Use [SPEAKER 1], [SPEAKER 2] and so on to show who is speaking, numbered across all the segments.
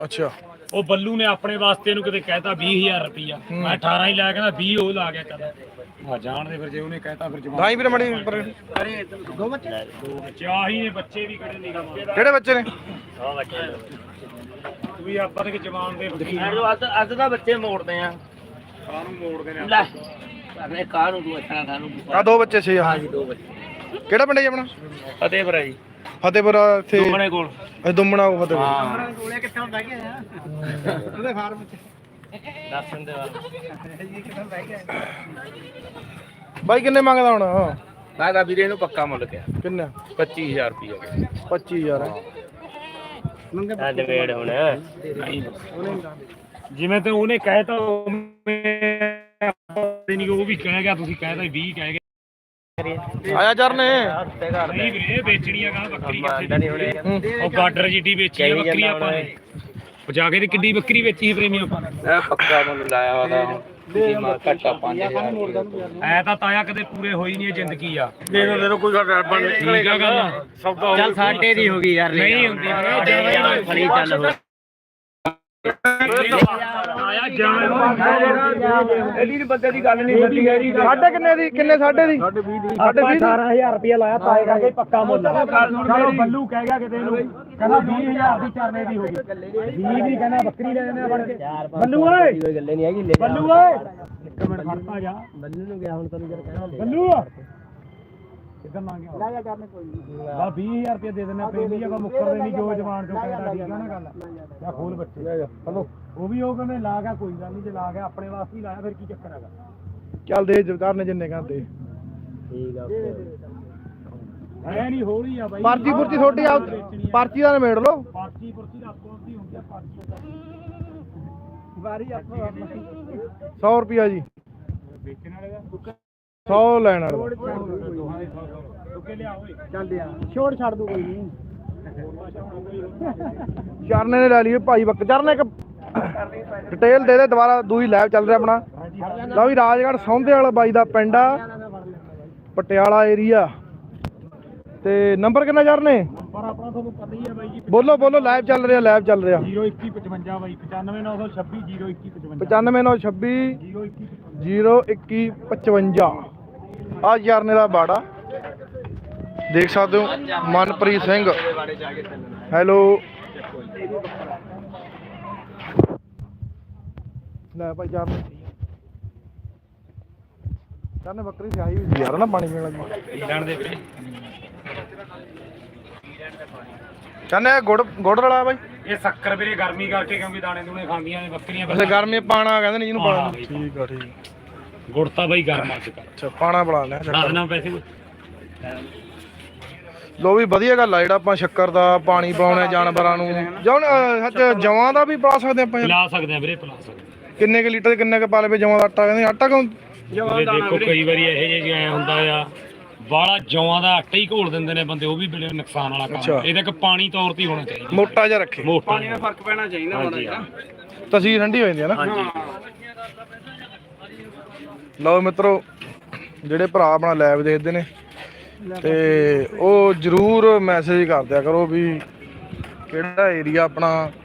[SPEAKER 1] ਅੱਛਾ
[SPEAKER 2] ਉਹ ਬੱਲੂ ਨੇ ਆਪਣੇ ਵਾਸਤੇ ਇਹਨੂੰ ਕਿਤੇ ਕਹਿਤਾ 20000 ਰੁਪਇਆ ਮੈਂ 18 ਹੀ ਲਾਇਆ ਕਹਿੰਦਾ 20 ਉਹ ਲਾ ਗਿਆ ਕਹਿੰਦਾ ਆ ਜਾਣ ਦੇ ਫਿਰ ਜੇ ਉਹਨੇ ਕਹਿਤਾ ਫਿਰ ਜਵਾਬ
[SPEAKER 1] ਦਾਈ ਵੀਰੇ ਮੜੀ
[SPEAKER 2] ਦੋ ਬੱਚੇ ਆਹੀ ਨੇ ਬੱਚੇ ਵੀ ਕਿਹੜੇ ਨਿਗਾ
[SPEAKER 1] ਕਿਹੜੇ ਬੱਚੇ ਨੇ
[SPEAKER 2] ਆ ਬੱਚੇ ਵੀ ਆਪਾਂ ਤੇ ਜਵਾਨ ਦੇ
[SPEAKER 3] ਅੱਜ ਦਾ ਬੱਚੇ ਮੋੜਦੇ ਆ
[SPEAKER 2] ਕਾਹਨੂੰ ਮੋੜਦੇ ਨੇ
[SPEAKER 3] ਲੈ ਕਰਨੇ ਕਾਹਨੂੰ ਤੂੰ ਅੱਛਾ ਕਾਹਨੂੰ
[SPEAKER 1] ਆ ਦੋ ਬੱਚੇ ਸੀ
[SPEAKER 3] ਹਾਂ ਜੀ ਦੋ ਬੱਚੇ
[SPEAKER 1] ਕਿਹੜਾ ਪਿੰਡ ਹੈ ਜੀ ਆਪਣਾ
[SPEAKER 3] ਫਤਿਹਪੁਰ ਹੈ ਜੀ
[SPEAKER 1] ਫਤਿਹਪੁਰ ਇੱਥੇ
[SPEAKER 3] ਦੁਮਣੇ ਕੋਲ
[SPEAKER 1] ਇਹ ਦੁੰਮਣਾ ਫਤਿਹਪੁਰ
[SPEAKER 3] ਹਾਂ
[SPEAKER 2] ਕੋਲੇ ਕਿੱਥੇ ਹੁੰਦਾ ਕਿ ਉਹਦੇ ਫਾਰਮ ਚ
[SPEAKER 3] ਦਰਸ਼ਨ ਦੇ
[SPEAKER 1] ਬਾਈ ਕਿੰਨੇ ਮੰਗਦਾ ਹੁਣ
[SPEAKER 3] ਮੈਂ ਤਾਂ ਵੀਰੇ ਨੂੰ ਪੱਕਾ ਮੁੱਲ ਕਿਹਾ
[SPEAKER 1] ਕਿੰਨਾ
[SPEAKER 3] 25000 ਰੁਪਏ
[SPEAKER 1] 25000
[SPEAKER 3] ਆ ਡਿਬੇਟ ਹੁਣ
[SPEAKER 2] ਜਿਵੇਂ ਤੇ ਉਹਨੇ ਕਹਿਤਾ ਨਹੀਂ ਉਹ ਵੀ ਕਹਿ ਗਿਆ ਤੁਸੀਂ ਕਹਿਤਾ 20 ਕਹਿ ਗਏ
[SPEAKER 1] ਆਇਆ ਚਰਨੇ
[SPEAKER 2] ਨਹੀਂ ਵੀਰੇ ਵੇਚਣੀ ਆ ਗਾ ਬੱਕਰੀ ਕਿੱਥੇ ਉਹ ਗਾਡਰ ਜੀਟੀ ਵੇਚੀ ਆ ਬੱਕਰੀ ਆਪਾਂ ਨੇ ਉਹ ਜਾ ਕੇ ਤੇ ਕਿੱਡੀ ਬੱਕਰੀ ਵੇਚੀ ਸੀ ਪ੍ਰੇਮੀ ਆਪਾਂ
[SPEAKER 3] ਇਹ ਪੱਕਾ ਮੁੱਲ ਲਾਇਆ ਉਹਦਾ ਘੱਟਾ 5000
[SPEAKER 2] ਐ ਤਾਂ ਤਾਇਆ ਕਦੇ ਪੂਰੇ ਹੋਈ ਨਹੀਂ ਜ਼ਿੰਦਗੀ ਆ
[SPEAKER 3] ਦੇ ਦੋ ਕੋਈ ਸਾਡਾ ਬਣ
[SPEAKER 2] ਠੀਕ ਆ ਗੱਲ ਸੌਦਾ
[SPEAKER 3] ਚੱਲ ਸਾਡੇ ਦੀ ਹੋ ਗਈ ਯਾਰ
[SPEAKER 2] ਨਹੀਂ ਹੁੰਦੀ
[SPEAKER 3] ਫੜੀ ਚੱਲ ਹੋ
[SPEAKER 2] ਆਇਆ ਜਾਣ
[SPEAKER 3] ਇਹਦੀ ਬੰਦੇ ਦੀ ਗੱਲ ਨਹੀਂ ਸੱਚੀ ਹੈਗੀ
[SPEAKER 1] ਸਾਢੇ ਕਿੰਨੇ ਦੀ ਕਿੰਨੇ ਸਾਢੇ ਦੀ
[SPEAKER 2] ਸਾਢੇ 18000 ਰੁਪਇਆ ਲਾਇਆ ਤਾਏ ਕਰਕੇ ਪੱਕਾ ਮੁੱਲ ਚਲੋ ਬੱਲੂ ਕਹਿ ਗਿਆ ਕਿਤੇ ਨੂੰ ਕਹਿੰਦਾ 20000 ਦੀ ਚਰਨੇ ਦੀ ਹੋ ਗਈ 20 ਦੀ ਕਹਿੰਦਾ ਬੱਕਰੀ ਲੈ ਜਾਂਦੇ ਬਣ ਕੇ ਬੱਲੂ ਓਏ
[SPEAKER 3] ਕੋਈ ਗੱਲੇ ਨਹੀਂ ਹੈਗੀ
[SPEAKER 2] ਬੱਲੂ ਓਏ ਇੱਕ ਮਿੰਟ ਖੜਤਾ ਜਾ
[SPEAKER 3] ਬੱਲੂ ਨੂੰ ਗਿਆ ਹੁਣ ਤੈਨੂੰ ਜਰ ਕਹਿਣਾ
[SPEAKER 2] ਬੱਲੂ ਕਿੱਦਾਂ ਮੰਗਿਆ ਲੈ ਜਾ ਕਰਨੇ ਕੋਈ ਨਹੀਂ ਬਾ 20000 ਰੁਪਏ ਦੇ ਦਿੰਦੇ ਪੈਂਦੀ ਆ ਕੋ ਮੁੱਕਰਦੇ ਨਹੀਂ ਜੋ ਜਵਾਨ ਚੋਂ ਕਹਿੰਦਾ ਠੀਕ ਆ ਨਾ ਗੱਲ ਜਾਂ ਖੋਲ ਬੱਚੇ ਚਲੋ ਉਹ ਵੀ ਉਹ ਕਹਿੰਦੇ ਲਾ ਗਿਆ ਕੋਈ ਗੱਲ ਨਹੀਂ ਜੇ ਲਾ ਗਿਆ ਆਪਣੇ ਵਾਸਤੇ ਹੀ ਲਾਇਆ ਫਿਰ ਕੀ ਚੱਕਰ ਹੈਗਾ
[SPEAKER 1] ਚੱਲ ਦੇ ਜਵਦਾਰ ਨੇ ਜਿੰਨੇ ਕਹਿੰਦੇ
[SPEAKER 3] ਠੀਕ ਆ
[SPEAKER 2] ਐ ਨਹੀਂ ਹੋਲੀ ਆ ਬਾਈ
[SPEAKER 1] ਪਰਚੀ ਪੁਰਚੀ ਛੋਟੀ ਆ ਪਰਚੀ ਦਾ ਨਿਬੇੜ ਲਓ
[SPEAKER 2] ਪਰਚੀ ਦਾ ਆਪੋ ਦੀ ਹੁੰਦੀ ਆ ਪਰਚੀ
[SPEAKER 3] ਵਾਰੀ ਆਪੋ
[SPEAKER 1] 100 ਰੁਪਿਆ ਜੀ
[SPEAKER 2] ਵੇਚਣ ਵਾਲੇ ਦਾ
[SPEAKER 1] 100 ਲੈਣ ਵਾਲਾ
[SPEAKER 2] ਦੋਹਾਂ ਦੇ ਰੁਕੇ ਲਿਆ ਓਏ
[SPEAKER 3] ਚੱਲ ਆ ਛੋੜ ਛੱਡ ਦੂ ਕੋਈ ਨਹੀਂ
[SPEAKER 1] ਚਰਨੇ ਨੇ ਲੈ ਲਈ ਭਾਈ ਬੱਕ ਚਰਨੇ ਇੱਕ ਡਿਟੇਲ ਦੇ ਦੇ ਦੁਬਾਰਾ ਦੂਈ ਲਾਈਵ ਚੱਲ ਰਿਹਾ ਆਪਣਾ ਲਓ ਵੀ ਰਾਜਗੜ੍ਹ ਸੌਂਦੇ ਵਾਲਾ ਬਾਈ ਦਾ ਪਿੰਡ ਆ ਪਟਿਆਲਾ ਏਰੀਆ ਤੇ ਨੰਬਰ ਕਿੰਨਾ ਚਰਨੇ
[SPEAKER 2] ਪਰ ਆਪਣਾ ਤੁਹਾਨੂੰ ਪਤਾ ਹੀ ਆ ਬਾਈ ਜੀ
[SPEAKER 1] ਬੋਲੋ ਬੋਲੋ ਲਾਈਵ ਚੱਲ ਰਿਹਾ
[SPEAKER 2] 02155 ਬਾਈ 95926 02155
[SPEAKER 1] 95926 0155 ਆ ਚਰਨੇ ਦਾ ਬਾੜਾ ਦੇਖ ਸਕਦੇ ਹੋ ਮਨਪ੍ਰੀਤ ਸਿੰਘ ਹੈਲੋ ਲੈ ਭਾਈ ਚਰਨੇ ਬੱਕਰੀ ਸਿਆਹੀ ਵੀ ਯਾਰ ਨਾ ਪਾਣੀ ਪੀਣ ਲੱਗੀ
[SPEAKER 2] ਲੈਣ ਦੇ ਵੀਰੇ
[SPEAKER 1] ਚਰਨੇ ਗੁੜ ਰਲਾ ਬਾਈ
[SPEAKER 2] ਇਹ ਸ਼ੱਕਰ ਵੀਰੇ ਗਰਮੀ ਕਰਕੇ ਕਿਉਂਕਿ ਦਾਣੇ ਦੂਣੇ ਖਾਂਦੀਆਂ ਨੇ ਬੱਕਰੀਆਂ
[SPEAKER 1] ਵੈਸੇ ਗਰਮੀ ਪਾਣਾ ਕਹਿੰਦੇ ਨੇ ਜਿਹਨੂੰ ਪਾਣਾ ਠੀਕ ਆ
[SPEAKER 2] ਗੁੜ ਤਾਂ ਬਾਈ ਗਰਮ ਅੱਜ ਕੱਲ
[SPEAKER 1] ਅੱਛਾ ਪਾਣਾ ਬਣਾ ਲਿਆ
[SPEAKER 2] ਦੱਸ ਨਾ ਪੈਸੇ
[SPEAKER 1] ਲੋ ਵੀ ਵਧੀਆ ਗੱਲ ਆ ਜਿਹੜਾ ਆਪਾਂ ਸ਼ੱਕਰ ਦਾ ਪਾਣੀ ਪਾਉਣੇ ਜਾਨਵਰਾਂ ਨੂੰ ਜੌਨ ਸੱਚ ਜਵਾਂ ਦਾ ਵੀ ਪਾ ਸਕਦੇ ਆਪਾਂ
[SPEAKER 2] ਪਿਲਾ ਸਕਦੇ ਆ ਵੀਰੇ ਪਿਲਾ ਸਕਦੇ
[SPEAKER 1] ਕਿੰਨੇ ਕੁ ਲੀਟਰ ਕਿੰਨੇ ਕੁ ਪਾ ਲਵੇ ਜਵਾਂ ਦਾ ਆਟਾ ਕਹਿੰਦੇ ਆਟਾ ਕਿਉਂ
[SPEAKER 2] ਵੀਰੇ ਦੇਖੋ ਕਈ ਵਾਰੀ ਇਹੋ ਜਿਹੇ ਐ ਹੁੰਦਾ ਆ ਬਾਲਾ ਜੌਆਂ ਦਾ ਆਟਾ ਹੀ ਘੋਲ ਦਿੰਦੇ ਨੇ ਬੰਦੇ ਉਹ ਵੀ ਬੜੇ ਨੁਕਸਾਨ ਵਾਲਾ ਕੰਮ ਇਹਦੇ ਕਿ ਪਾਣੀ ਤੌਰ ਤੇ ਹੋਣਾ ਚਾਹੀਦਾ
[SPEAKER 1] ਮੋਟਾ ਜਿਹਾ ਰੱਖੇ
[SPEAKER 2] ਪਾਣੀ ਦਾ ਫਰਕ ਪੈਣਾ ਚਾਹੀਦਾ ਮਾੜਾ
[SPEAKER 1] ਤਸੀਰ ਠੰਡੀ ਹੋ ਜਾਂਦੀ ਹੈ ਨਾ
[SPEAKER 2] ਹਾਂਜੀ
[SPEAKER 1] ਲਓ ਮਿੱਤਰੋ ਜਿਹੜੇ ਭਰਾ ਆਪਣਾ ਲਾਈਵ ਦੇਖਦੇ ਨੇ ਤੇ ਉਹ ਜਰੂਰ ਮੈਸੇਜ ਕਰ ਦਿਆ ਕਰੋ ਵੀ ਕਿਹੜਾ ਏਰੀਆ ਆਪਣਾ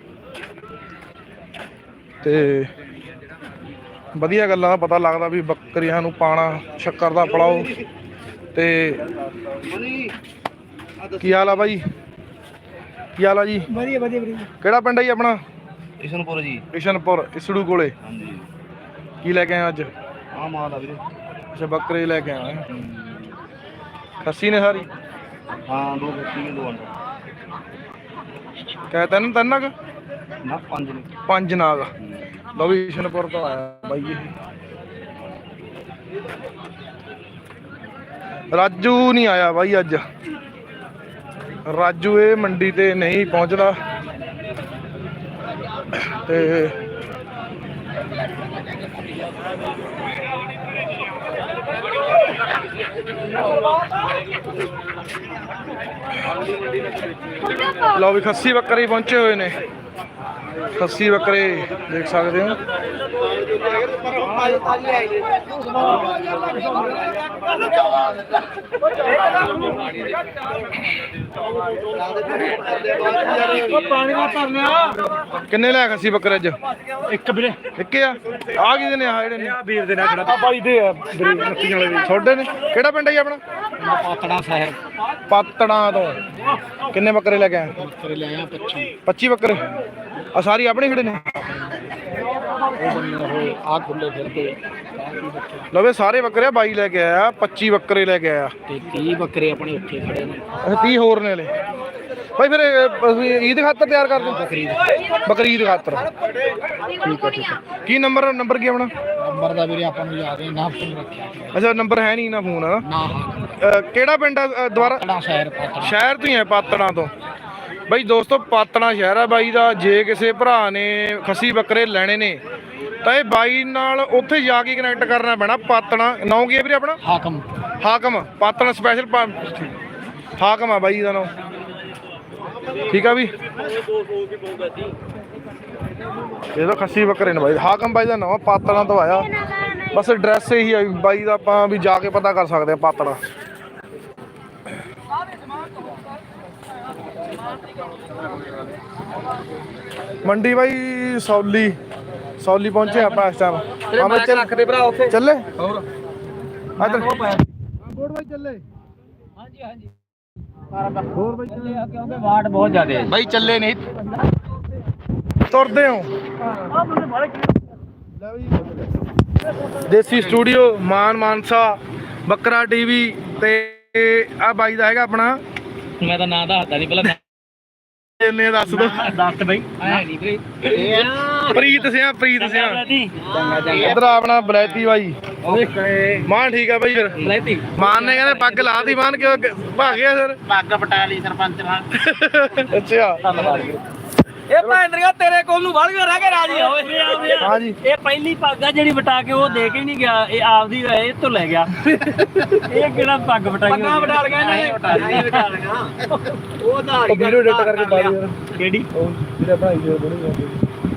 [SPEAKER 1] ਤੇ ਵਧੀਆ ਗੱਲਾਂ ਦਾ ਪਤਾ ਲੱਗਦਾ ਵੀ ਬੱਕਰੀਆਂ ਨੂੰ ਪਾਣਾ ਸ਼ੱਕਰ ਦਾ ਪਿਲਾਓ ਤੇ ਕੀ ਹਾਲ ਆ ਬਾਈ ਕੀ ਹਾਲ ਆ ਜੀ
[SPEAKER 3] ਵਧੀਆ ਵਧੀਆ ਵੀਰੇ
[SPEAKER 1] ਕਿਹੜਾ ਪਿੰਡ ਹੈ ਜੀ ਆਪਣਾ
[SPEAKER 3] ਕਿਸ਼ਨਪੁਰ ਜੀ
[SPEAKER 1] ਕਿਸ਼ਨਪੁਰ ਇਸੜੂ ਕੋਲੇ
[SPEAKER 3] ਹਾਂਜੀ
[SPEAKER 1] ਕੀ ਲੈ ਕੇ ਆਏ ਅੱਜ
[SPEAKER 3] ਆ ਮਾਲ ਆ ਵੀਰੇ
[SPEAKER 1] ਅੱਛਾ ਬੱਕਰੇ ਲੈ ਕੇ ਆਏ ਖੱਸੀ ਨੇ ਸਾਰੀ
[SPEAKER 3] ਹਾਂ ਦੋ ਬੱਚੀ ਦੋ ਅੰਦਰ
[SPEAKER 1] ਕਹਿ ਤਿੰਨ ਕੁ
[SPEAKER 3] ਨਾ ਪੰਜ ਨੇ
[SPEAKER 1] ਪੰਜ ਨਾਗ ਲਓ ਵੀ ਕਿਸ਼ਨਪੁਰ ਤੋਂ ਆਇਆ ਬਾਈ ਇਹ ਰਾਜੂ ਨਹੀਂ ਆਇਆ ਬਾਈ ਅੱਜ ਰਾਜੂ ਇਹ ਮੰਡੀ ਤੇ ਨਹੀਂ ਪਹੁੰਚਦਾ ਤੇ ਲਓ ਵੀ ਖੱਸੀ ਬੱਕਰੇ ਪਹੁੰਚੇ ਹੋਏ ਨੇ ਖੱਸੀ ਬੱਕਰੇ ਦੇਖ ਸਕਦੇ ਹੋ।
[SPEAKER 2] ਪਾਣੀ ਨਾਲ ਭਰ ਲਿਆ।
[SPEAKER 1] ਕਿੰਨੇ ਲੈ ਖੱਸੀ ਬੱਕਰੇ ਅੱਜ?
[SPEAKER 2] ਇੱਕ ਵੀਰੇ
[SPEAKER 1] ਇੱਕ ਆ ਕਿਹਦੇ ਨੇ? ਆ ਜਿਹੜੇ ਨੇ
[SPEAKER 2] ਵੀਰ ਦੇ ਨਾਲ ਖੜਾ ਬਾਈ ਦੇ ਆ ਵੀਰੇ ਨੱਤੀਆਂ ਵਾਲੇ
[SPEAKER 1] ਛੋਡੇ ਨੇ। ਕਿਹੜਾ ਪਿੰਡ ਹੈ ਜੀ ਆਪਣਾ?
[SPEAKER 2] ਪਾਤੜਾ ਸ਼ਹਿਰ
[SPEAKER 1] ਪਾਤੜਾਂ ਤੋਂ। ਕਿੰਨੇ ਬੱਕਰੇ ਲੈ ਕੇ ਆਏ?
[SPEAKER 2] ਬੱਕਰੇ ਲੈ ਆ
[SPEAKER 1] 25 ਬੱਕਰੇ। ਆ ਸਾਰੀ ਆਪਣੇ ਖੜੇ ਨੇ?
[SPEAKER 2] ਆ ਖੁੱਲੇ ਫਿਰਦੇ
[SPEAKER 1] ਲਓ ਵੇ ਸਾਰੇ ਬੱਕਰੇ ਬਾਈ ਲੈ ਕੇ ਆਇਆ। 25 ਬੱਕਰੇ ਲੈ ਕੇ ਆਇਆ
[SPEAKER 2] ਤੇ 30 ਬੱਕਰੇ ਆਪਣੇ ਉੱਥੇ ਖੜੇ ਨੇ।
[SPEAKER 1] ਅੱਛਾ 30 ਹੋਰ ਨੇ ਹਲੇ ਭਾਈ। ਫਿਰ ਈਦ ਖਾਤਰ ਤਿਆਰ ਕਰਦੇ? ਬਕਰੀਦ ਖਾਤਰ। ਠੀਕ ਹੈ ਠੀਕ ਹੈ। ਕੀ ਨੰਬਰ ਕੀ ਆਪਣਾ?
[SPEAKER 2] ਨੰਬਰ ਦਾ ਵੀਰੇ ਆਪਾਂ ਨੂੰ ਯਾਦ ਨਾ ਫੋਨ ਰੱਖਿਆ।
[SPEAKER 1] ਅੱਛਾ ਨੰਬਰ ਹੈ ਨਹੀਂ ਨਾ ਫੋਨ।
[SPEAKER 2] ਨਾ
[SPEAKER 1] ਕਿਹੜਾ ਪਿੰਡ ਆ ਦੁਬਾਰਾ?
[SPEAKER 2] ਸ਼ਹਿਰ ਪਾਤੜਾ।
[SPEAKER 1] ਸ਼ਹਿਰ ਤੋਂ ਹੀ ਹੈ ਪਾਤੜਾਂ ਤੋਂ ਬਾਈ। ਦੋਸਤੋ ਪਾਤੜਾਂ ਸ਼ਹਿਰ ਆ ਬਾਈ ਦਾ। ਜੇ ਕਿਸੇ ਭਰਾ ਨੇ ਖੱਸੀ ਬੱਕਰੇ ਲੈਣੇ ਨੇ ਤਾਂ ਇਹ ਬਾਈ ਨਾਲ ਉੱਥੇ ਜਾ ਕੇ ਕਨੈਕਟ ਕਰਨਾ ਪੈਣਾ। ਪਾਤੜਾਂ ਨਾਂ ਕੀ ਹੈ ਵੀਰੇ ਆਪਣਾ? ਹਾਕਮ ਪਾਤੜਾਂ ਸਪੈਸ਼ਲ ਹਾਕਮ ਆ ਬਾਈ ਦਾ ਨਾਂ। ਠੀਕ ਆ ਵੀ। ਇਹ ਤਾਂ ਖੱਸੀ ਬੱਕਰੇ ਨੇ ਬਾਈ। ਹਾਕਮ ਬਾਈ ਦਾ ਨਾਂ ਪਾਤੜਾਂ ਤੋਂ ਆਇਆ। ਬਸ ਐਡਰੈਸ ਇਹੀ ਆ ਬਾਈ ਦਾ। ਆਪਾਂ ਵੀ ਜਾ ਕੇ ਪਤਾ ਕਰ ਸਕਦੇ ਆ ਪਾਤੜਾਂ। ਮੰਡੀ ਬਾਈ ਸੌਲੀ ਪਹੁੰਚੇ ਆਪਾਂ ਇਸ ਟਾਈਮ।
[SPEAKER 2] ਰੱਖਦੇ ਭਰਾ ਉੱਥੇ
[SPEAKER 1] ਚੱਲੇ
[SPEAKER 2] ਹੋਰ
[SPEAKER 1] ਇੱਧਰ ਬੋੜ ਬਾਈ ਚੱਲੇ।
[SPEAKER 2] ਹਾਂਜੀ ਹੋਰ ਬਾਈ ਚੱਲੇ ਕਿਉਂਕਿ ਵਾਟ ਬਹੁਤ ਜ਼ਿਆਦੇ
[SPEAKER 1] ਬਾਈ ਚੱਲੇ ਨਹੀਂ ਤੁਰਦੇ ਹੋ। ਦੇਸੀ ਸਟੂਡੀਓ ਮਾਨਸਾ ਬੱਕਰਾ ਟੀਵੀ ਤੇ ਆ ਬਾਈ ਦਾ ਹੈਗਾ ਆਪਣਾ।
[SPEAKER 2] ਮੈਂ ਤਾਂ ਨਾਂ ਦੱਸਦਾ ਨਹੀਂ ਪਹਿਲਾਂ
[SPEAKER 1] ਇਹਨੇ ਦੱਸ ਦੋ।
[SPEAKER 2] ਦੱਸ ਬਈ ਐ ਨਹੀਂ ਵੀਰੇ
[SPEAKER 1] ਪ੍ਰੀਤ ਸਿਆ ਇਧਰ ਆਪਣਾ ਬਲੈਤੀ ਬਾਈ। ਮਾਨ ਠੀਕ ਆ ਬਾਈ। ਫਿਰ
[SPEAKER 2] ਬਲੈਤੀ
[SPEAKER 1] ਮਾਨ ਨੇ ਕਹਿੰਦੇ ਪੱਗ ਲਾਤੀ। ਮਾਨ ਕਿਉਂ ਭਾਗ ਗਿਆ ਸਰ?
[SPEAKER 2] ਪੱਗ ਪਟਾ ਲਈ ਸਰਪੰਚ ਨਾਲ।
[SPEAKER 1] ਅੱਛਾ
[SPEAKER 2] ਇਹ ਭੈਂਦਰੀਆ ਤੇਰੇ ਕੋਲ ਨੂੰ ਵੜ ਗਿਆ ਰਹਿ ਕੇ ਰਾਜੀ ਹੋਏ।
[SPEAKER 1] ਹਾਂ ਜੀ
[SPEAKER 2] ਇਹ ਪਹਿਲੀ ਪੱਗ ਆ ਜਿਹੜੀ ਵਟਾ ਕੇ ਉਹ ਦੇ ਕੇ ਨਹੀਂ ਗਿਆ। ਇਹ ਆਪਦੀ ਇਹ ਤੋਂ ਲੈ ਗਿਆ। ਇਹ ਕਿਹੜਾ ਪੱਗ ਵਟਾਈ? ਪੱਗਾਂ ਵਟਾ ਲਗਾ ਇਹਨੇ। ਵਟਾ ਲਗਾ ਉਹ ਧਾਰੀ
[SPEAKER 1] ਵੀਡੀਓ ਐਡਿਟ ਕਰਕੇ ਪਾ ਦੇ ਯਾਰ।
[SPEAKER 2] ਕਿਹੜੀ?
[SPEAKER 1] ਉਹ ਜਿਹੜਾ ਭਾਈ ਜੀ ਬਣੀ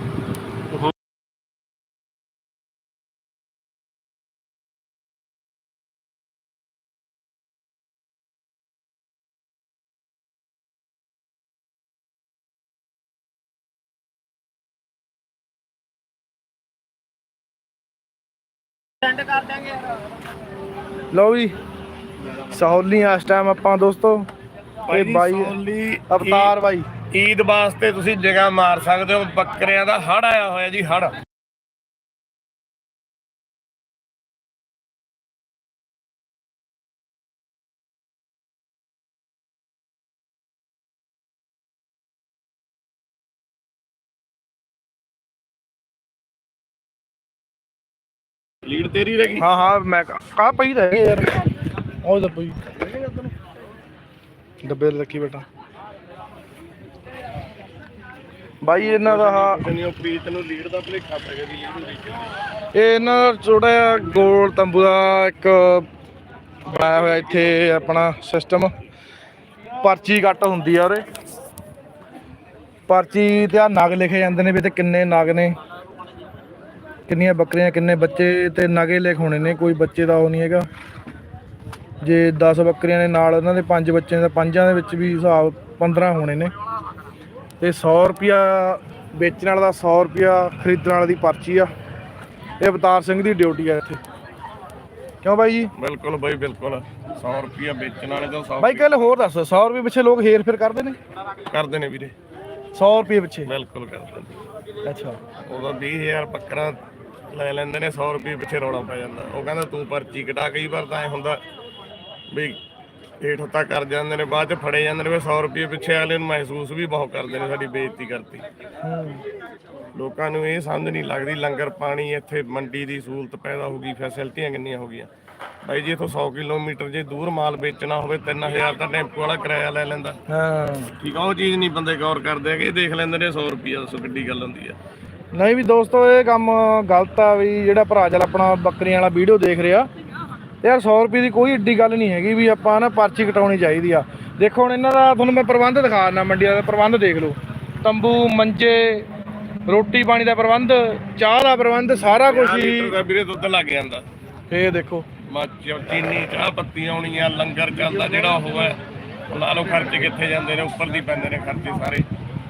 [SPEAKER 2] ਸੈਂਡ ਕਰ ਦਾਂਗੇ ਯਾਰ।
[SPEAKER 1] ਲਓ ਜੀ ਸਹੌਲੀ ਇਸ ਟਾਈਮ ਆਪਾਂ ਦੋਸਤੋ। ਇਹ ਬਾਈ ਅਵਤਾਰ ਬਾਈ।
[SPEAKER 4] ਈਦ ਵਾਸਤੇ ਤੁਸੀਂ ਜਗ੍ਹਾ ਮਾਰ ਸਕਦੇ ਹੋ। ਬੱਕਰਿਆਂ ਦਾ ਹੜ ਆਇਆ ਹੋਇਆ ਜੀ, ਹੜ। ਲੀਡ ਤੇਰੀ ਰਹਿ ਗਈ।
[SPEAKER 1] ਹਾਂ ਮੈਂ ਕਾ ਪਈ ਤਾਂ ਹੈਗੇ ਯਾਰ। ਉਹ ਤਾਂ ਪਈ ਡੱਬੇ ਰੱਖੀ ਬੇਟਾ ਬਾਈ। ਇਹਨਾਂ ਦਾ
[SPEAKER 4] ਪ੍ਰੀਤ ਨੂੰ ਲੀਡ ਦਾ ਭੁਲੇਖਾ ਪੈ ਗਿਆ ਵੀ
[SPEAKER 1] ਇਹ ਇਹਨਾਂ ਦਾ ਥੋੜਾ ਜਿਹਾ ਗੋਲ ਤੰਬੂ ਦਾ ਇੱਕ ਬਣਾਇਆ ਹੋਇਆ ਇੱਥੇ ਆਪਣਾ ਸਿਸਟਮ। ਪਰਚੀ ਕੱਟ ਹੁੰਦੀ ਆ ਉਰੇ। ਪਰਚੀ ਤੇ ਆ ਨਗ ਲਿਖੇ ਜਾਂਦੇ ਨੇ ਵੀ ਤੇ ਕਿੰਨੇ ਨਗ ਨੇ, ਕਿੰਨੀਆਂ ਬੱਕਰੀਆਂ, ਕਿੰਨੇ ਬੱਚੇ ਤੇ ਨਗੇ ਲਿਖ ਹੋਣੇ ਨੇ। ਕੋਈ ਬੱਚੇ ਦਾ ਉਹ ਨਹੀਂ ਹੈਗਾ। ਜੇ 10 ਬੱਕਰੀਆਂ ਨੇ ਨਾਲ ਉਹਨਾਂ ਦੇ 5 ਬੱਚੇ ਨੇ ਤਾਂ 5ਾਂ ਦੇ ਵਿੱਚ ਵੀ ਹਿਸਾਬ 15 ਹੋਣੇ ਨੇ। ਤੇ 100 ਰੁਪਿਆ ਵੇਚਣ ਵਾਲਾ ਦਾ 100 ਰੁਪਿਆ ਖਰੀਦਣ ਵਾਲੇ ਦੀ ਪਰਚੀ ਆ। ਇਹ ਅਵਤਾਰ ਸਿੰਘ ਦੀ ਡਿਊਟੀ ਆ ਇੱਥੇ। ਕਿਉਂ ਬਾਈ ਜੀ?
[SPEAKER 4] ਬਿਲਕੁਲ ਬਾਈ ਬਿਲਕੁਲ। 100 ਰੁਪਿਆ ਵੇਚਣ ਵਾਲੇ ਤਾਂ 100
[SPEAKER 1] ਬਾਈ ਕੱਲ ਹੋਰ ਦੱਸ। 100 ਰੁਪਏ ਪਿੱਛੇ ਲੋਕ ਹੇਰ ਫੇਰ ਕਰਦੇ ਨੇ?
[SPEAKER 4] ਕਰਦੇ ਨੇ ਵੀਰੇ।
[SPEAKER 1] 100 ਰੁਪਏ ਪਿੱਛੇ?
[SPEAKER 4] ਬਿਲਕੁਲ ਕਰਦੇ ਨੇ।
[SPEAKER 1] ਅੱਛਾ
[SPEAKER 4] ਉਦੋਂ 20000 ਬੱਕਰਾ ਲੈ ਲੈਂਦੇ ਨੇ। 100 ਰੁਪਏ ਪਿੱਛੇ ਰੌਲਾ ਪੈ ਜਾਂਦਾ। ਉਹ ਕਹਿੰਦਾ ਤੂੰ ਪਰਚੀ ਕਟਾ। ਕਈ ਵਾਰ ਤਾਂ ਐ ਹੁੰਦਾ ਵੀ ਹੇਠ ਉੱਤਾ ਕਰ ਜਾਂਦੇ ਨੇ, ਬਾਅਦ ਚ ਫੜੇ ਜਾਂਦੇ ਨੇ। 100 ਰੁਪਏ ਪਿੱਛੇ ਅਗਲੇ ਨੂੰ ਮਹਿਸੂਸ ਵੀ ਬਹੁਤ ਕਰਦੇ ਨੇ ਸਾਡੀ ਬੇਇੱਜ਼ਤੀ ਕਰਤੀ। ਲੋਕਾਂ ਨੂੰ ਇਹ ਸਮਝ ਨਹੀਂ ਲੱਗਦੀ। ਲੰਗਰ ਪਾਣੀ ਇੱਥੇ ਮੰਡੀ ਦੀ ਸਹੂਲਤ ਪੈਦਾ ਹੋ ਗਈ। ਫੈਸਿਲਿਟੀਆਂ ਕਿੰਨੀਆਂ ਹੋ ਗਈਆਂ ਬਾਈ ਜੀ। ਇੱਥੋਂ 100 ਕਿਲੋਮੀਟਰ ਜੇ ਦੂਰ ਮਾਲ ਵੇਚਣਾ ਹੋਵੇ 3000 ਤਾਂ ਟੈਂਪੂ ਵਾਲਾ ਕਿਰਾਇਆ ਲੈ ਲੈਂਦਾ। ਠੀਕ ਆ। ਉਹ ਚੀਜ਼ ਨਹੀਂ ਬੰਦੇ ਗੌਰ ਕਰਦੇ ਹੈਗੇ। ਦੇਖ ਲੈਂਦੇ ਨੇ 100 ਰੁਪਈਆ। ਦੱਸੋ ਕਿੱਡੀ ਗੱਲ ਹੁੰਦੀ ਆ।
[SPEAKER 1] ਨਹੀਂ ਵੀ ਦੋਸਤੋ ਇਹ ਕੰਮ ਗਲਤ ਆ। ਵੀ ਜਿਹੜਾ ਭਰਾ ਚੱਲ ਆਪਣਾ ਬੱਕਰੀਆਂ ਵਾਲਾ ਵੀਡੀਓ ਦੇਖ ਰਿਹਾ ਯਾਰ, 100 ਰੁਪਏ ਦੀ ਕੋਈ ਏਡੀ ਗੱਲ ਨਹੀਂ ਹੈਗੀ ਵੀ ਆਪਾਂ ਨਾ ਪਰਚੀ ਕਟਾਉਣੀ ਚਾਹੀਦੀ ਆ। ਦੇਖੋ ਹੁਣ ਇਹਨਾਂ ਦਾ ਤੁਹਾਨੂੰ ਮੈਂ ਪ੍ਰਬੰਧ ਦਿਖਾ ਦਿੰਦਾ। ਮੰਡੀਆਂ ਦਾ ਪ੍ਰਬੰਧ ਦੇਖ ਲਓ। ਤੰਬੂ, ਮੰਜੇ, ਰੋਟੀ ਪਾਣੀ ਦਾ ਪ੍ਰਬੰਧ, ਚਾਹ ਦਾ ਪ੍ਰਬੰਧ, ਸਾਰਾ ਕੁਝ ਹੀ।
[SPEAKER 4] ਲੀਟਰ ਦਾ ਵੀਰੇ ਦੁੱਧ ਲੱਗ ਜਾਂਦਾ।
[SPEAKER 1] ਇਹ ਦੇਖੋ
[SPEAKER 4] ਚੀਨੀ ਚਾਹ ਪੱਤੀ ਆਉਣੀ ਆ, ਲੰਗਰ ਚੱਲਦਾ ਜਿਹੜਾ ਉਹ ਹੈ। ਲਾ ਲਓ ਖਰਚੇ ਕਿੱਥੇ ਜਾਂਦੇ ਨੇ, ਉੱਪਰ ਦੀ ਪੈਂਦੇ ਨੇ ਖਰਚੇ ਸਾਰੇ।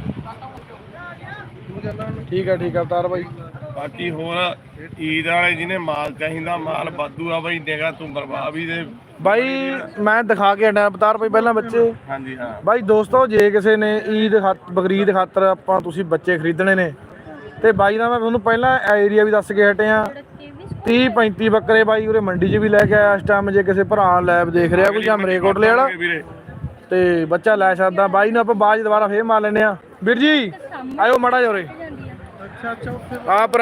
[SPEAKER 1] ਠੀਕ ਆ ਅਵਤਾਰ ਬਾਈ।
[SPEAKER 4] ਬਾਕੀ ਹੋਰ ਈਦ ਵਾਲੇ ਜਿਹਨੇ ਮਾਲ ਚਾਹੀਦਾ, ਮਾਲ ਵਾਧੂ ਆ ਬਾਈ, ਦੇਗਾ ਤੂੰ ਬਰਬਾਦ ਵੀ ਦੇ
[SPEAKER 1] ਬਾਈ। ਮੈਂ ਦਿਖਾ ਕੇ ਹਟਿਆ ਅਵਤਾਰ ਬਾਈ ਪਹਿਲਾਂ ਬੱਚੇ।
[SPEAKER 4] ਹਾਂਜੀ ਹਾਂ
[SPEAKER 1] ਬਾਈ ਦੋਸਤੋ, ਜੇ ਕਿਸੇ ਨੇ ਬਕਰੀਦ ਖਾਤਰ ਆਪਾਂ ਤੁਸੀਂ ਬੱਚੇ ਖਰੀਦਣੇ ਨੇ ਤੇ ਬਾਈ ਦਾ ਮੈਂ ਤੁਹਾਨੂੰ ਪਹਿਲਾਂ ਏਰੀਆ ਵੀ ਦੱਸ ਕੇ ਹਟਿਆ। 30-35 ਬੱਕਰੇ ਬਾਈ ਉਰੇ ਮੰਡੀ 'ਚ ਵੀ ਲੈ ਕੇ ਆਇਆ ਇਸ ਟਾਈਮ। ਜੇ ਕਿਸੇ ਭਰਾ ਲੈਬ ਦੇਖ ਰਿਹਾ ਕੋਈ ਜਾਂ ਮਰੇਕੋਟਲੇ ਵਾਲਾ ਤੇ ਬੱਚਾ ਲੈ ਸਕਦਾ। ਬਾਈ ਨੂੰ ਆਪਾਂ ਬਾਅਦ ਦੁਬਾਰਾ ਫੇਰ ਮਾਰ ਲੈਨੇ ਆ। ਵੀਰ ਜੀ ਆਇਓ ਮਾੜਾ ਜਿਹਾ ਉਰੇ। ਆ ਭਰਾ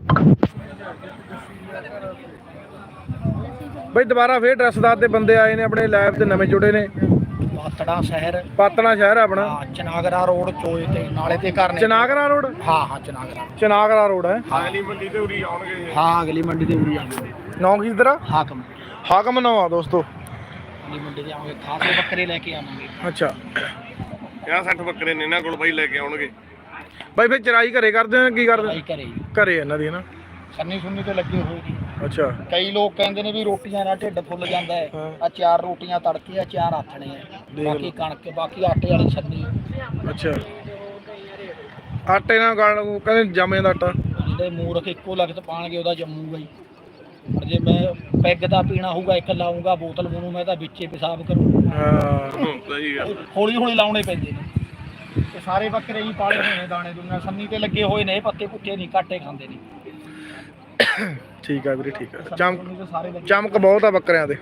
[SPEAKER 1] ਬਈ ਦੁਬਾਰਾ ਫੇਰ ਐਡਰੈਸ ਦੱਸ ਦੇ। ਬੰਦੇ ਆਏ ਨੇ ਆਪਣੇ ਲੈਬ ਤੇ ਨਵੇਂ ਜੁੜੇ ਨੇ।
[SPEAKER 2] ਪਾਤੜਾ ਸ਼ਹਿਰ,
[SPEAKER 1] ਪਾਤਣਾ ਸ਼ਹਿਰ ਆਪਣਾ।
[SPEAKER 2] ਚਨਾਗਰਾ ਰੋਡ ਚੋਏ ਤੇ ਨਾਲੇ ਤੇ ਘਰ ਨੇ।
[SPEAKER 1] ਚਨਾਗਰਾ ਰੋਡ?
[SPEAKER 2] ਹਾਂ
[SPEAKER 1] ਚਨਾਗਰਾ ਰੋਡ ਹੈ।
[SPEAKER 4] ਅਗਲੀ ਮੰਡੀ ਤੇ ਉਰੀ ਆਉਣਗੇ।
[SPEAKER 2] ਹਾਂ ਅਗਲੀ ਮੰਡੀ ਤੇ ਉਰੀ ਆਉਣਗੇ।
[SPEAKER 1] ਨੌ ਕੀ ਤੇਰਾ? ਹਾਕਮ ਨੌ ਆ ਦੋਸਤੋ।
[SPEAKER 2] ਅਗਲੀ ਮੰਡੀ ਤੇ ਆਵਾਂਗੇ, ਖਾਸੇ ਬੱਕਰੇ ਲੈ ਕੇ ਆਵਾਂਗੇ।
[SPEAKER 1] ਅੱਛਾ
[SPEAKER 4] 50-60 ਬੱਕਰੇ ਨੇ ਇਹਨਾਂ ਕੋਲ ਬਾਈ, ਲੈ ਕੇ ਆਉਣਗੇ
[SPEAKER 1] ਬਾਈ। ਫਿਰ ਚਰਾਈ ਘਰੇ ਕਰਦੇ ਹੋ ਕੀ ਕਰਦੇ?
[SPEAKER 2] ਘਰੇ
[SPEAKER 1] ਇਹਨਾਂ ਦੀ ਨਾ
[SPEAKER 2] ਸੰਨੀ ਸੁੰਨੀ ਤੇ ਲੱਗੇ ਹੋਏ ਜੀ।
[SPEAKER 1] ਅੱਛਾ
[SPEAKER 2] ਕਈ ਲੋਕ ਕਹਿੰਦੇ ਨੇ ਵੀ ਰੋਟੀਆਂ ਨਾਲ ਢਿੱਡ ਫੁੱਲ ਜਾਂਦਾ ਹੈ। ਆ 4 ਰੋਟੀਆਂ ਤੜਕੇ ਆ, 4 ਆਥਣੇ ਆ, ਬਾਕੀ ਕਣਕ, ਬਾਕੀ ਆਟੇ ਵਾਲੀ ਛੰਨੀ।
[SPEAKER 1] ਅੱਛਾ ਆਟੇ ਨਾਲ ਕਹਿੰਦੇ ਜੰਮ ਜਾਂਦਾ ਆਟਾ।
[SPEAKER 2] ਜਿਹੜੇ ਮੂਰਖ ਇੱਕੋ ਲਖਤ ਪਾਣਗੇ ਉਹਦਾ ਜੰਮੂਗਾ ਹੀ। ਪਰ ਜੇ ਮੈਂ ਪੈਗ ਦਾ ਪੀਣਾ ਹੋਊਗਾ, ਇੱਕ ਲਾਊਂਗਾ ਬੋਤਲ ਮੂੰਹ, ਮੈਂ ਤਾਂ ਵਿੱਚੇ ਪਿਸ਼ਾਬ ਕਰੂੰ।
[SPEAKER 1] ਹਾਂ
[SPEAKER 4] ਸਹੀ ਗੱਲ।
[SPEAKER 2] ਹੌਲੀ ਲਾਉਣੇ ਪੈਂਦੇ ਨੇ। ਤੇ ਸਾਰੇ ਬੱਕਰੇ ਹੀ ਪਾਲੇ ਹੋਏ ਨੇ, ਦਾਣੇ ਦੁਨੀਆ ਸੰਨੀ ਤੇ ਲੱਗੇ ਹੋਏ ਨੇ। ਪੱਤੇ ਪੁੱਤੇ ਨਹੀਂ, ਕਾਟੇ ਖਾਂਦੇ ਨੇ।
[SPEAKER 1] ਠੀਕ ਆ ਵੀਰੇ, ਠੀਕ ਆ।
[SPEAKER 2] ਸਾਰੇ ਲੱਗੇ।
[SPEAKER 1] ਚਮਕ ਬਹੁਤ ਆ ਬੱਕਰਿਆਂ ਦੇ।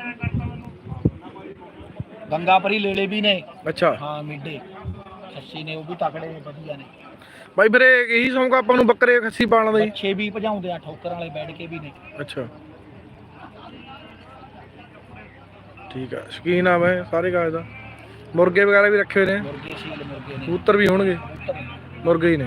[SPEAKER 2] ਗੰਗਾਪਰੀ ਲੇਲੇ ਵੀ ਨੇ।
[SPEAKER 1] ਅੱਛਾ
[SPEAKER 2] ਹਾਂ ਮਿੱਡੇ ਖੱਸੀ ਨੇ, ਉਹ ਵੀ ਤਕੜੇ ਨੇ, ਵਧੀਆ ਨੇ
[SPEAKER 1] ਬਾਈ। ਵੀਰੇ ਇਹੀ ਸ਼ੌਂਕ ਆਪਾਂ ਨੂੰ ਬੱਕਰੇ ਖੱਸੀ ਪਾਲਣ ਦਾ ਹੀ।
[SPEAKER 2] ਬੱਚੇ ਵੀ ਭਜਾਉਂਦੇ ਆ, ਠੋਕਰ ਵਾਲੇ ਬੈਠ ਕੇ ਵੀ ਨੇ।
[SPEAKER 1] ਅੱਛਾ ਠੀਕ ਆ। ਸ਼ੌਕੀਨ ਆ ਮੈਂ ਸਾਰੇ ਕਾਜ ਦਾ। ਮੁਰਗੇ ਵਗੈਰਾ ਵੀ ਰੱਖੇ ਨੇ?
[SPEAKER 2] ਮੁਰਗੇ ਸ਼ੀਲ ਮੁਰਗੇ ਨੇ।
[SPEAKER 1] ਕਬੂਤਰ ਵੀ ਹੋਣਗੇ? ਮੁਰਗੇ ਹੀ ਨੇ।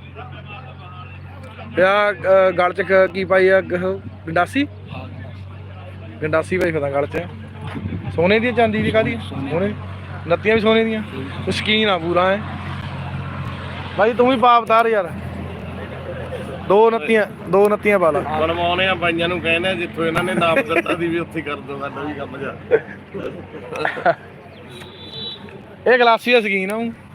[SPEAKER 1] ਆ ਗਲ ਚ ਕੀ ਪਾਈ ਆ? ਗੰਡਾਸੀ? ਗੰਡਾਸੀ ਭਾਈ ਪਤਾ ਗਲ ਚ। ਸੋਨੇ ਦੀ ਚਾਂਦੀ ਦੀ? ਕਾਹਦੀ? ਸੋਨੇ। ਨੱਤੀਆਂ ਵੀ ਸੋਨੇ ਦੀਆਂ? ਸ਼ੌਕੀਨ ਆ ਪੂਰਾ ਹੈ ਭਾਈ। ਤੂੰ ਵੀ ਪਾ ਅਵਤਾਰ ਯਾਰ। ਦੋ ਨੱਤੀਆਂ ਪਾ ਲਾ।
[SPEAKER 4] ਬਣਵਾਉਣੇ ਆ ਬਾਈਆਂ ਨੂੰ, ਕਹਿੰਦੇ ਆ ਜਿੱਥੋਂ ਇਹਨਾਂ ਨੇ ਨਾਪ ਦਿੱਤਾ ਦੀ ਵੀ ਉੱਥੇ ਕਰ ਦੋ ਸਾਡਾ ਵੀ ਕੰਮ ਜਾ।
[SPEAKER 1] ਇਹ ਗਲਾਸੀ ਦਾ ਸ਼ੌਕੀਨ ਆ।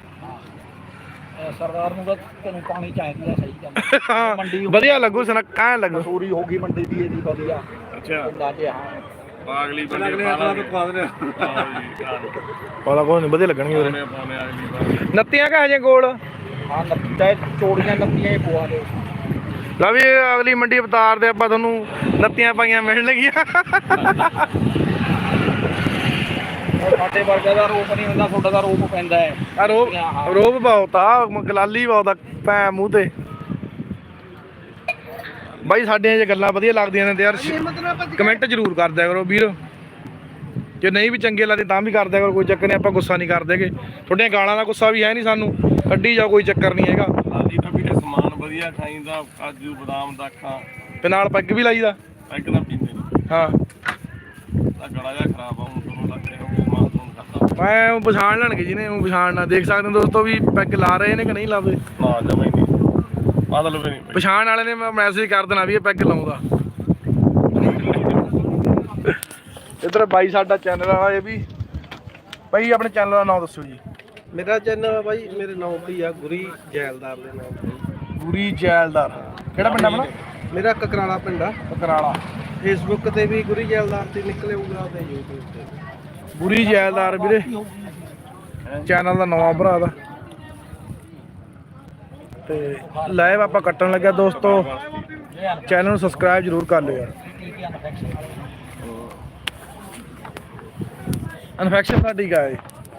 [SPEAKER 2] ਸਰਦਾਰ ਨੂੰ ਤਾਂ ਤੈਨੂੰ ਪਾਣੀ ਚਾਹੀਦੀ ਆ। ਸਹੀ ਗੱਲ।
[SPEAKER 1] ਹਾਂ
[SPEAKER 2] ਮੰਡੀ
[SPEAKER 1] ਵਧੀਆ ਲੱਗੂ, ਸੁਨੱਖਾ ਲੱਗੂ।
[SPEAKER 2] ਮਸੂਰੀ ਹੋ ਗਈ ਮੰਡੀ ਦੀ ਇਹਦੀ ਵਧੀਆ।
[SPEAKER 4] ਅੱਛਾ
[SPEAKER 2] ਅੰਦਾਜ਼ੇ ਹਾਂ।
[SPEAKER 4] ਅਗਲੀ ਬੰਦੇ ਪਾਲਾ
[SPEAKER 1] ਕੋਈ ਨਹੀਂ, ਵਧੀਆ ਲੱਗਣਗੇ ਵੀਰੇ।
[SPEAKER 4] ਪਾਉਣੇ ਅਗਲੀ ਵਾਰ।
[SPEAKER 1] ਨੱਤੀਆਂ ਕਾ ਹਜੇ ਗੋਲ?
[SPEAKER 2] ਹਾਂ ਨੱਤੀਆਂ ਚੋੜੀਆਂ ਨੱਤੀਆਂ ਹੀ ਪਵਾ ਦੇ।
[SPEAKER 1] ਲਓ ਵੀ ਅਗਲੀ ਮੰਡੀ ਅਵਤਾਰ ਦੇ ਆਪਾਂ ਤੁਹਾਨੂੰ ਨੱਤੀਆਂ ਪਾਈਆਂ ਮਿਲਣਗੀਆਂ।
[SPEAKER 2] ਸਾਡੇ ਵਰਗਾ ਦਾ ਰੋਪ ਨਹੀਂ ਹੁੰਦਾ, ਤੁਹਾਡਾ ਦਾ ਰੋਪ ਪੈਂਦਾ ਹੈ।
[SPEAKER 1] ਆ ਰੋਬ ਬਹੁਤ ਆ, ਗਲਾਲੀ ਬਹੁਤ ਆ ਭੈ ਮੂੰਹ ਤੇ। ਬਾਈ ਸਾਡੀਆਂ ਜੇ ਗੱਲਾਂ ਵਧੀਆ ਲੱਗਦੀਆਂ ਨੇ ਤੇ ਯਾਰ ਕਮੈਂਟ ਜ਼ਰੂਰ ਕਰ ਦਿਆ ਕਰੋ ਵੀਰ। ਜੇ ਨਹੀਂ ਵੀ ਚੰਗੇ ਲੱਗਦੇ ਤਾਂ ਵੀ ਕਰ ਦਿਆ ਕਰੋ, ਕੋਈ ਚੱਕਰ ਨਹੀਂ। ਆਪਾਂ ਗੁੱਸਾ ਨਹੀਂ ਕਰਦੇਗੇ। ਤੁਹਾਡੀਆਂ ਗਾਲਾਂ ਦਾ ਗੁੱਸਾ ਵੀ ਹੈ ਨਹੀਂ ਸਾਨੂੰ, ਕੱਢੀ ਜਾਓ, ਕੋਈ ਚੱਕਰ ਨਹੀਂ ਹੈਗਾ।
[SPEAKER 4] ਆਦੀ ਤਾਂ ਵੀਰੇ ਸਮਾਨ ਵਧੀਆ ਖਾਈਦਾ, ਕਾਜੂ ਬਦਾਮ ਦਾਖਾਂ
[SPEAKER 1] ਤੇ ਨਾਲ ਪੈਗ ਵੀ ਲਾਈਦਾ।
[SPEAKER 4] ਪੈਗ ਦਾ ਪੀਂਦੇ ਨੇ।
[SPEAKER 1] ਹਾਂ
[SPEAKER 4] ਤਾਂ ਗਲਾ ਜਿਹਾ ਖਰਾਬ ਆ, ਹੁਣ ਤੁਹਾਨੂੰ ਲੱਗਦੇ ਹੋ ਸਮਾਨ ਤੁਹਾਨੂੰ ਕਰਦਾ।
[SPEAKER 1] ਮੈਂ ਉਹ ਪਛਾਣ ਲੈਣਗੇ ਜਿਹਨੇ ਉਹ ਪਛਾਣਨਾ। ਦੇਖ ਸਕਦੇ ਹੋ ਦੋਸਤੋ ਵੀ ਪੈਗ ਲਾ ਰਹੇ ਨੇ ਕਿ ਨਹੀਂ ਲਾਉਂਦੇ।
[SPEAKER 4] ਨਾ ਜਮਾ ਹੀ ਨਹੀਂ, ਮਤਲਬ ਵੀ ਨਹੀਂ।
[SPEAKER 1] ਪਛਾਣ ਵਾਲੇ ਨੇ ਮੈਂ ਮੈਸੇਜ ਕਰ ਦੇਣਾ ਵੀ ਇਹ ਪੈਗ ਲਾਉਂਦਾ। ਇੱਧਰ ਬਾਈ ਸਾਡਾ ਚੈਨਲ ਆ, ਇਹ ਵੀ ਬਾਈ ਆਪਣੇ ਚੈਨਲ ਦਾ ਨਾਮ ਦੱਸੋ ਜੀ।
[SPEAKER 3] ਮੇਰਾ ਚੈਨਲ ਬਾਈ ਮੇਰੇ ਨਾਮ ਤੇ ਆ, ਗੁਰੀ ਜੈਲਦਾਰ ਦੇ ਨਾਮ ਤੇ।
[SPEAKER 1] ਗੁਰੀ ਜੈਲਦਾਰ। ਕਿਹੜਾ ਪਿੰਡ ਆਪਣਾ?
[SPEAKER 3] ਮੇਰਾ ਕਕਰਾਲਾ ਪਿੰਡ ਆ।
[SPEAKER 1] ਕਕਰਾਲਾ।
[SPEAKER 3] ਫੇਸਬੁੱਕ ਤੇ ਵੀ ਗੁਰੀ ਜੈਲਦਾਰ ਤੇ ਨਿਕਲੇਗਾ ਤੇ YouTube ਤੇ
[SPEAKER 1] ਗੁਰੀ ਜੈਲਦਾਰ ਵੀਰੇ ਚੈਨਲ ਦਾ ਨਵਾਂ ਭਰਾ ਦਾ। ਤੇ ਲਾਈਵ ਆਪਾਂ ਕੱਟਣ ਲੱਗਿਆ ਦੋਸਤੋ। ਚੈਨਲ ਨੂੰ ਸਬਸਕ੍ਰਾਈਬ ਜ਼ਰੂਰ ਕਰ ਲਿਓ ਯਾਰ। ਇਨਫੈਕਸ਼ਨ ਸਾਡੀ ਕਾ ਹੈ।